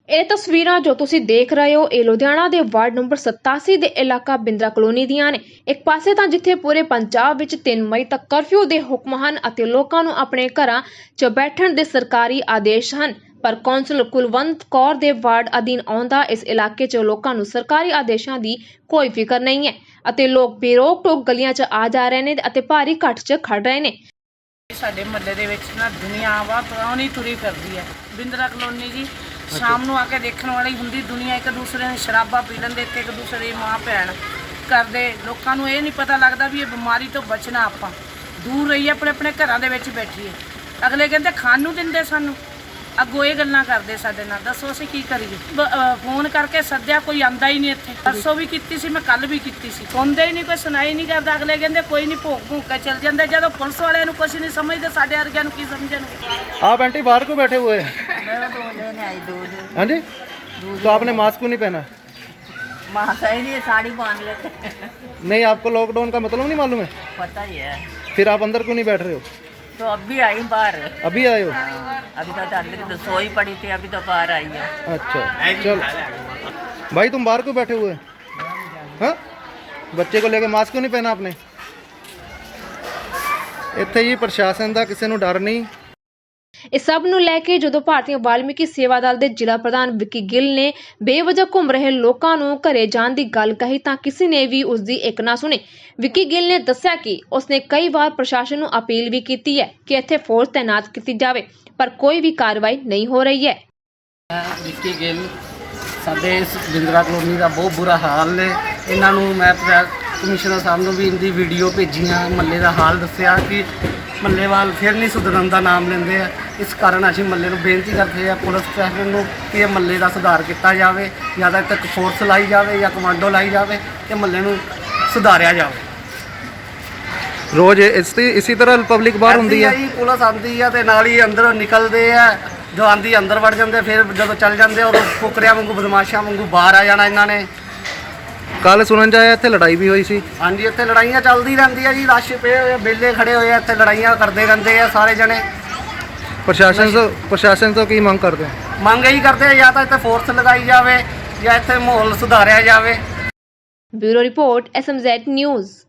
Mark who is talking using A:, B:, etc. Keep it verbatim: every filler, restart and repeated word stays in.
A: ਇਹ ਤਸਵੀਰਾਂ ਜੋ ਤੁਸੀਂ ਦੇਖ ਰਹੇ ਹੋ ਇਹ ਲੁਧਿਆਣਾ ਦੇ ਵਾਰਡ ਨੰਬਰ ਸਤਾਸੀ ਦੇ ਇਲਾਕਾ ਬਿੰਦਰਾ ਕਲੋਨੀ ਦੀਆਂ ਨੇ। ਇੱਕ ਪਾਸੇ ਤਾਂ ਜਿੱਥੇ ਪੂਰੇ ਪੰਜਾਬ ਵਿੱਚ ਤਿੰਨ ਮਈ ਤੱਕ ਕਰਫਿਊ ਦੇ ਹੁਕਮ ਹਨ ਅਤੇ ਲੋਕਾਂ ਨੂੰ ਆਪਣੇ ਘਰਾਂ 'ਚ ਬੈਠਣ ਦੇ ਸਰਕਾਰੀ ਆਦੇਸ਼ ਹਨ, ਪਰ ਕੌਂਸਲਰ ਕੁਲਵੰਤ ਕੌਰ ਦੇ ਵਾਰਡ ਅਧੀਨ ਆਉਂਦਾ ਇਸ ਇਲਾਕੇ 'ਚ ਲੋਕਾਂ ਨੂੰ ਸਰਕਾਰੀ ਆਦੇਸ਼ਾਂ ਦੀ ਕੋਈ ਫਿਕਰ ਨਹੀਂ ਹੈ ਅਤੇ ਲੋਕ ਬੇਰੋਕ ਟੋਕ ਗਲੀਆਂ 'ਚ ਆ ਜਾ ਰਹੇ ਨੇ ਅਤੇ ਭਾਰੀ ਇਕੱਠ 'ਚ ਖੜ ਰਹੇ ਨੇ।
B: ਸਾਡੇ ਮਹੱਲੇ ਦੇ ਵਿੱਚ ਨਾ ਦੁਨੀਆ ਵਾ ਪੁਰਾਣੀ ਤੁਰੀ ਫਿਰਦੀ ਹੈ। ਬਿੰਦਰਾ ਕਲੋਨੀ ਜੀ ਸ਼ਾਮ ਨੂੰ ਆ ਕੇ ਦੇਖਣ ਵਾਲੀ ਹੁੰਦੀ ਦੁਨੀਆ, ਇੱਕ ਦੂਸਰੇ ਨੂੰ ਸ਼ਰਾਬਾਂ ਪੀ ਲੈਂਦੇ, ਇੱਕ ਦੂਸਰੇ ਦੀ ਮਾਂ ਭੈਣ ਕਰਦੇ। ਲੋਕਾਂ ਨੂੰ ਇਹ ਨਹੀਂ ਪਤਾ ਲੱਗਦਾ ਵੀ ਇਹ ਬਿਮਾਰੀ ਤੋਂ ਬਚਣਾ, ਆਪਾਂ ਦੂਰ ਰਹੀਏ, ਆਪਣੇ ਆਪਣੇ ਘਰਾਂ ਦੇ ਵਿੱਚ ਬੈਠੀਏ। ਅਗਲੇ ਕਹਿੰਦੇ ਖਾਣ ਨੂੰ ਦਿੰਦੇ ਸਾਨੂੰ, ਅੱਗੋਂ ਇਹ ਗੱਲਾਂ ਕਰਦੇ ਸਾਡੇ ਨਾਲ। ਦੱਸੋ ਅਸੀਂ ਕੀ ਕਰੀਏ? ਫੋਨ ਕਰਕੇ ਸੱਦਿਆ, ਕੋਈ ਆਂਦਾ ਹੀ ਨਹੀਂ ਇੱਥੇ। ਪਰਸੋਂ ਵੀ ਕੀਤੀ ਸੀ, ਮੈਂ ਕੱਲ ਵੀ ਕੀਤੀ ਸੀ, ਸੁਣਦੇ ਹੀ ਨਹੀਂ, ਕੋਈ ਸੁਣਾਈ ਨਹੀਂ ਕਰਦਾ। ਅਗਲੇ ਕਹਿੰਦੇ ਕੋਈ ਨਹੀਂ, ਭੋਗ ਭੂਗ ਕੇ ਚਲ ਜਾਂਦੇ। ਜਦੋਂ ਪੁਲਿਸ ਵਾਲਿਆਂ ਨੂੰ ਕੁਛ ਨਹੀਂ ਸਮਝਦੇ, ਸਾਡੇ ਵਰਗਿਆਂ ਨੂੰ ਕੀ ਸਮਝਣਗੇ?
C: आप आंटी बाहर को बैठे हुए हैं? हाँ जी, तो आपने मास्क क्यों नहीं पहना?
D: मास्क ही नहीं, साड़ी बांध लेते।
C: नहीं, आपको लॉकडाउन का मतलब नहीं मालूम है?
D: पता ही है।
C: फिर आप अंदर क्यों नहीं बैठ रहे हो?
D: तो अब भी आई बाहर,
C: अभी आए हो?
D: अभी तो अंदर तो सोई पड़ी थी, अभी तो बाहर आई है।
C: अच्छा चलो भाई, तुम बाहर क्यों बैठे हुए? हाँ, बच्चे को लेके मास्क क्यों नहीं पहना आपने? ਇੱਥੇ ਹੀ ਪ੍ਰਸ਼ਾਸਨ ਦਾ ਕਿਸੇ ਨੂੰ ਡਰ ਨਹੀਂ।
A: ਇਸ ਸਭ ਨੂੰ ਲੈ ਕੇ ਜਦੋਂ ਭਾਰਤੀ ਵਾਲਮੀਕੀ ਸੇਵਾ ਦਲ ਦੇ ਜ਼ਿਲ੍ਹਾ ਪ੍ਰਧਾਨ ਵਿੱਕੀ ਗਿੱਲ ਨੇ ਬੇਵਜ੍ਹਾ ਘੁੰਮ ਰਹੇ ਲੋਕਾਂ ਨੂੰ ਘਰੇ ਜਾਣ ਦੀ ਗੱਲ ਕਹੀ ਤਾਂ ਕਿਸੇ ਨੇ ਵੀ ਉਸ ਦੀ ਇੱਕ ਨਾ ਸੁਣੀ। ਵਿੱਕੀ ਗਿੱਲ ਨੇ ਦੱਸਿਆ ਕਿ ਉਸਨੇ ਕਈ ਵਾਰ ਪ੍ਰਸ਼ਾਸਨ ਨੂੰ ਅਪੀਲ ਵੀ ਕੀਤੀ ਹੈ ਕਿ ਇੱਥੇ ਫੋਰਸ ਤੈਨਾਤ ਕੀਤੀ ਜਾਵੇ, ਪਰ ਕੋਈ ਵੀ ਕਾਰਵਾਈ ਨਹੀਂ ਹੋ ਰਹੀ ਹੈ।
E: ਵਿੱਕੀ ਗਿੱਲ, ਸਾਡੇ ਇਸ ਬਿੰਦਰਾ ਕਲੋਨੀ ਦਾ ਬਹੁਤ ਬੁਰਾ ਹਾਲ ਨੇ। ਇਹਨਾਂ ਨੂੰ ਮੈਂ ਕਮਿਸ਼ਨਰ ਸਾਹਿਬ ਨੂੰ ਵੀ ਇਹਦੀ ਵੀਡੀਓ ਭੇਜੀਆਂ, ਮਹੱਲੇ ਦਾ ਹਾਲ ਦੱਸਿਆ ਕਿ ਮਹੱਲੇ ਵਾਲ ਫਿਰ ਨਹੀਂ ਸੁਧਰਨ ਦਾ ਨਾਮ ਲੈਂਦੇ ਆ। ਇਸ ਕਾਰਨ ਅਸੀਂ ਮਹੱਲੇ ਨੂੰ ਬੇਨਤੀ ਕਰਦੇ ਆ ਪੁਲਿਸ ਪ੍ਰਸ਼ਾਸਨ ਨੂੰ ਕਿ ਇਹ ਮਹੱਲੇ ਦਾ ਸੁਧਾਰ ਕੀਤਾ ਜਾਵੇ, ਜਾਂ ਤਾਂ ਤੱਕ ਫੋਰਸ ਲਾਈ ਜਾਵੇ ਜਾਂ ਕਮਾਂਡੋ ਲਾਈ ਜਾਵੇ ਤੇ ਮਹੱਲੇ ਨੂੰ ਸੁਧਾਰਿਆ ਜਾਵੇ।
C: ਰੋਜ਼ ਇਸ ਇਸੇ ਤਰ੍ਹਾਂ ਪਬਲਿਕ ਬਾਹਰ ਹੁੰਦੀ ਹੈ,
E: ਪੁਲਿਸ ਆਉਂਦੀ ਆ ਤੇ ਨਾਲ ਹੀ ਅੰਦਰ ਨਿਕਲਦੇ ਆ, ਜੋ ਆਂਦੀ ਅੰਦਰ ਵੜ ਜਾਂਦੇ, ਫਿਰ ਜਦੋਂ ਚੱਲ ਜਾਂਦੇ ਉਹ ਫੁਕਰਿਆਂ ਵਾਂਗੂ ਬਦਮਾਸ਼ਾਂ ਵਾਂਗੂ ਬਾਹਰ ਆ ਜਾਣਾ ਇਹਨਾਂ ਨੇ।
C: ਕੱਲ ਸੁਣਨ ਚ ਆਇਆ ਇੱਥੇ ਲੜਾਈ ਵੀ ਹੋਈ ਸੀ।
E: ਹਾਂਜੀ, ਇੱਥੇ ਲੜਾਈਆਂ ਚੱਲਦੀ ਰਹਿੰਦੀਆਂ ਜੀ, ਰਸ਼ ਪਏ ਹੋਏ, ਬੇਲੇ ਖੜੇ ਹੋਏ ਆ, ਇੱਥੇ ਲੜਾਈਆਂ ਕਰਦੇ ਰਹਿੰਦੇ ਆ ਸਾਰੇ ਜਣੇ।
C: ਪ੍ਰਸ਼ਾਸਨ ਤੋਂ ਪ੍ਰਸ਼ਾਸਨ ਤੋਂ ਕੀ ਮੰਗ ਕਰਦੇ?
E: ਮੰਗ ਇਹੀ ਕਰਦੇ ਆ ਜਾਂ ਤਾਂ ਇੱਥੇ ਫੋਰਸ ਲਗਾਈ ਜਾਵੇ ਜਾਂ ਇੱਥੇ ਮਾਹੌਲ ਸੁਧਾਰਿਆ ਜਾਵੇ।
A: Bureau report, S M Z news.